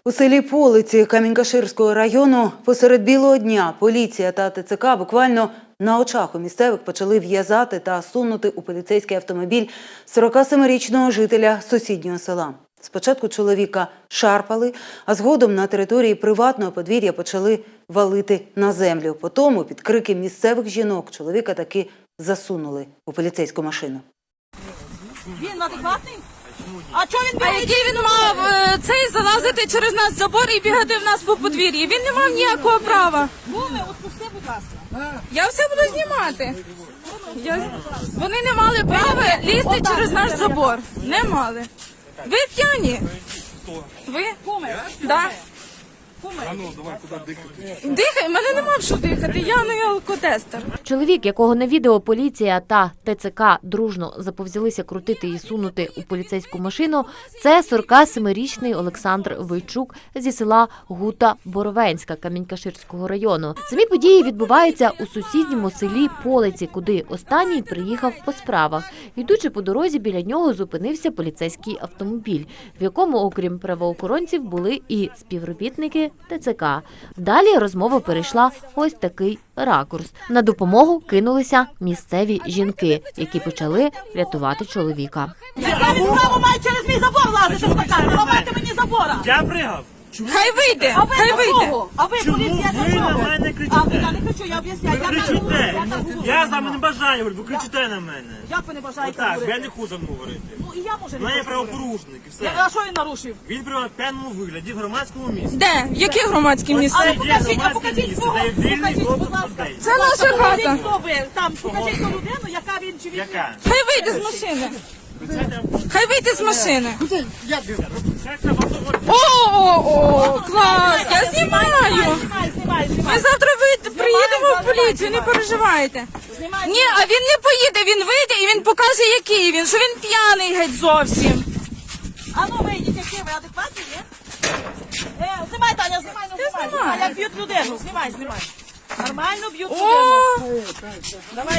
У селі Полиці Камінь-Каширського району посеред білого дня поліція та ТЦК буквально на очах у місцевих почали в'язати та сунути у поліцейський автомобіль 47-річного жителя сусіднього села. Спочатку чоловіка шарпали, а згодом на території приватного подвір'я почали валити на землю. Потім під крики місцевих жінок чоловіка таки засунули у поліцейську машину. Він адекватний? А чого він бігає? А який він мав цей залазити через нас забор і бігати в нас по подвір'ї? Він не мав ніякого права. Буми, відпусти, будь ласка. Я все буду знімати. Вони не мали права лізти через наш забор. Не мали. Ви п'яні? Ви? Да. Дихай, мене нема в що дихати, я не алкотестер. Чоловік, якого на відео поліція та ТЦК дружно заповзялися крутити і сунути у поліцейську машину, це 47-річний Олександр Войчук зі села Гута Боровенська Камінь-Каширського району. Самі події відбуваються у сусідньому селі Полиці, куди останній приїхав по справах. Йдучи по дорозі, біля нього зупинився поліцейський автомобіль, в якому, окрім правоохоронців, були і співробітники ТЦК. Далі розмова перейшла ось такий ракурс. На допомогу кинулися місцеві жінки, які почали рятувати чоловіка. Яка він право має через мій забор лазити в така? Ламайте мені забора. Я пригав. Хай вийде, А ви хай для вийде. кого? А ви Чому поліція ви для на чого? мене А кричите? я не кричу, я об'ясняю. Ви кричите. Я з вами не бажаю, ви кричите на мене. Як ви не бажаєте Отак, я говорити? не хочу говорити. Ну і я може У не мене хочу говорити. правопорушник і все. А що він нарушив? Він при п'яному вигляді в громадському місці. Де? Які громадські місця? Але Є покажіть, а громадське покажіть місце, свого. де є вільний Покажіть, доступ будь ласка. людей. Це наша хата. Хто ви? Там, покажіть ту людину, яка він чи він. Яка? Хай вийде з машини. Хай вийде з машини. Це треба говорити. О, клас, я знімаю. Знімай. Ми завтра приїдемо в поліцію, не переживайте. Знімай. Ні, а він не поїде, він вийде і він покаже, який він, що він п'яний геть зовсім. А ну вийдіть, які ви адекватні, ні? Знімай, Таня, знімай, ну знімай. Знімай, як б'ють людину, знімай. Нормально б'ють людину. О, Давай.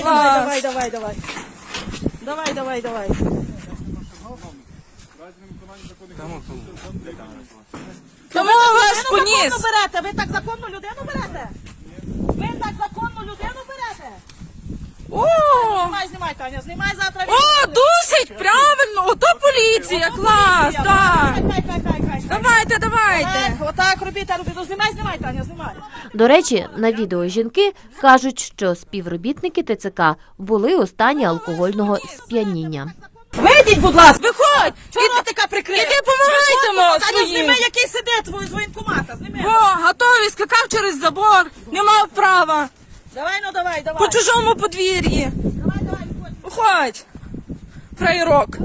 тому ваш Законно поніс. берете, ви так законну людину берете? Ви так законну людину берете? О, Знімай, Таня, знімай завтра. о, душить, правильно, ото поліція, клас, так. Давайте. Отак робіть, ну знімай, Таня, знімай. До речі, на відео жінки кажуть, що співробітники ТЦК були у стані алкогольного сп'яніння. Вийдіть, будь ласка. Виходь, Чого ротика прикрив? іди помагайте Таня, своїм. зніми, який сидить з воєнкомата, зніми. О, готовий, скакав через забор, не мав права, Давай. по чужому подвір'ї. Давай, Виходь, фраєрок.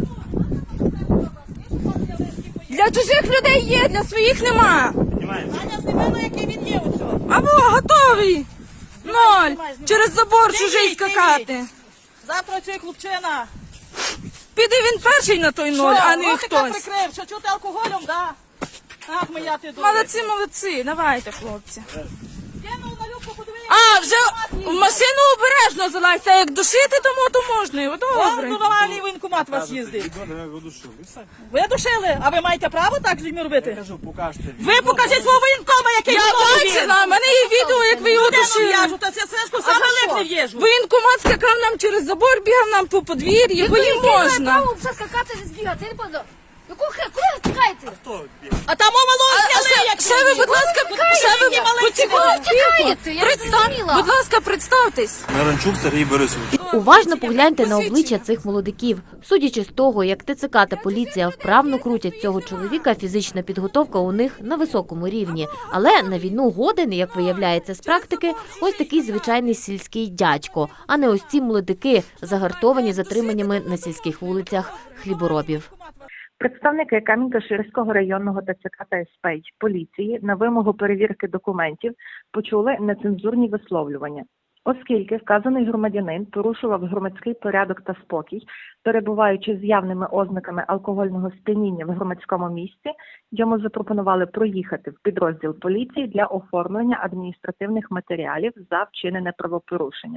Для чужих людей є, для своїх нема. Таня, зніми, ну який він є у цьому. Або готовий. Ноль. знімай. Через забор Зніміть, чужий скакати. Завтра цей хлопчина. Піде він перший на той ноль, а не ротика хтось. прикрив, що чути алкоголем, да? Ах, моя ти добре. Молодці, давайте, хлопці. Кинув на любку, подивись. А, вже в машину обережно залазьте, як душити, то можна. О, добре. Ну, нормальний воєнкомат вас їздить. Ви душили? А ви маєте право так з людьми робити? Ви покажіть свого воєнкома, який Я виновний він. бачила, в мене є відео, як ви його Людину душили. в'яжу, та це сишку саме липне в'їжу. Воєнкомат скакав нам через забор, бігав нам по подвір'ї, бо їм можна. право вже скакати не збігати, я не пам'ятаю. Куди ви тікаєте? А там мало зняли, як Ще ви, будь ласка, Тікаєте, я не зрозуміла. Будь ласка, представтесь. Наранчук Сергій Борисович. Уважно погляньте на обличчя цих молодиків. Судячи з того, як ТЦК та поліція вправно крутять цього чоловіка, фізична підготовка у них на високому рівні. Але на війну годен, як виявляється з практики, ось такий звичайний сільський дядько, а не ось ці молодики, загартовані затриманнями на сільських вулицях хліборобів. Представники Камінь-Каширського районного ТЦК та СП поліції на вимогу перевірки документів почули нецензурні висловлювання. Оскільки вказаний громадянин порушував громадський порядок та спокій, перебуваючи з явними ознаками алкогольного сп'яніння в громадському місці, йому запропонували проїхати в підрозділ поліції для оформлення адміністративних матеріалів за вчинене правопорушення.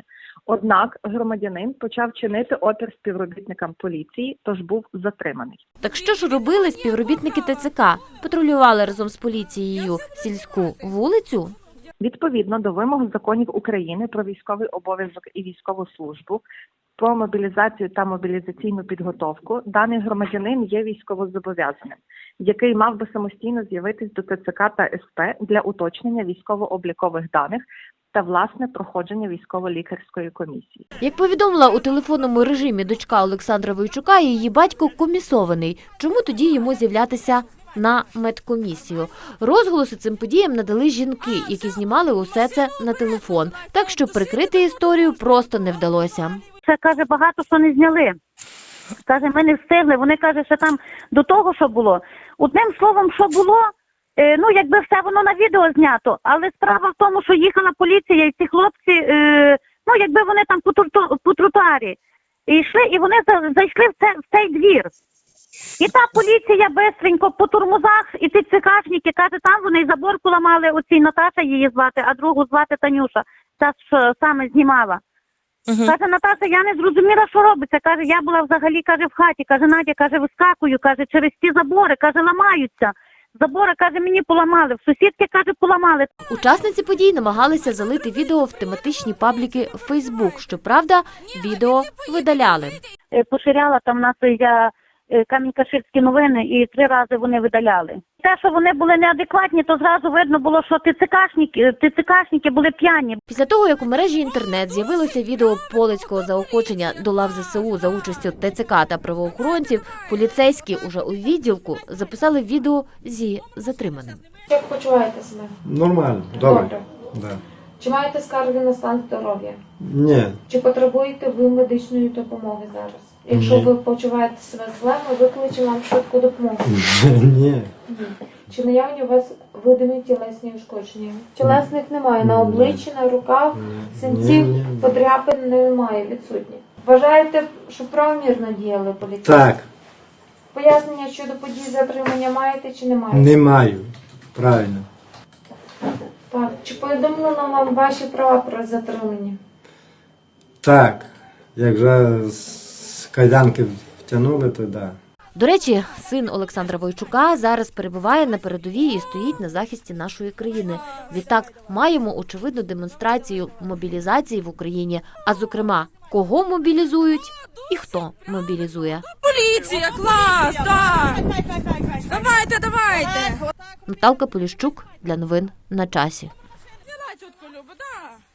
Однак громадянин почав чинити опір співробітникам поліції, тож був затриманий. Так що ж робили співробітники ТЦК? Патрулювали разом з поліцією сільську вулицю? Відповідно до вимог законів України про військовий обов'язок і військову службу, про мобілізацію та мобілізаційну підготовку, даний громадянин є військовозобов'язаним, який мав би самостійно з'явитись до ТЦК та СП для уточнення військово-облікових даних та власне проходження військово-лікарської комісії. Як повідомила у телефонному режимі дочка Олександра Войчука, її батько комісований. Чому тоді йому з'являтися на медкомісію? Розголоси цим подіям надали жінки, які знімали усе це на телефон. Так що прикрити історію просто не вдалося. Це, каже, багато що не зняли. Каже, ми не встигли. Вони, каже, що там до того, що було. Одним словом, що було, ну, якби все воно на відео знято. Але справа в тому, що їхала поліція і ці хлопці, ну, якби вони там по тротуарі йшли, і вони зайшли в цей двір. І та поліція бистренько по турмузах, і ці цикашники, каже, там вони й забор поламали, оцій Наташа її звати, а другу звати Танюша, та що саме знімала. Каже, Наташа, я не зрозуміла, що робиться. Каже, я була взагалі, каже, в хаті. Каже, Надя, каже, вискакую, каже, через ті забори, каже, ламаються. Забори, каже, мені поламали, в сусідки, каже, поламали. Учасниці подій намагалися залити відео в тематичні пабліки Facebook. Щоправда, відео видаляли. Поширяла там нас я Камінь-Каширські новини, і 3 рази вони видаляли. Те, що вони були неадекватні, то зразу видно було, що ТЦКшники були п'яні. Після того, як у мережі інтернет з'явилося відео полицького заохочення до лав ЗСУ за участю ТЦК та правоохоронців, поліцейські уже у відділку записали відео зі затриманим. Як почуваєте себе? Нормально, добре. Да. Чи маєте скарги на стан здоров'я? Ні. Чи потребуєте ви медичної допомоги зараз? Якщо ви почуваєте себе зле, ми викличемо вам швидку допомогу. Ні. Чи наявні у вас видимі тілесні ушкодження? Тілесних немає. На обличчі, на руках, синців, подряпин немає, відсутні. Вважаєте, що правомірно діяли поліцейські? Так. Пояснення щодо подій затримання маєте чи не маєте? Не маю. Правильно. Так. Чи повідомлено вам ваші права про затримання? Так. Як вже з кайданки втягнули, то да. До речі, син Олександра Войчука зараз перебуває на передовій і стоїть на захисті нашої країни. Відтак, маємо очевидну демонстрацію мобілізації в Україні, а зокрема, кого мобілізують і хто мобілізує. Поліція, клас, так! Давайте! Наталка Поліщук для новин на часі. Діла, тітко Люба, да.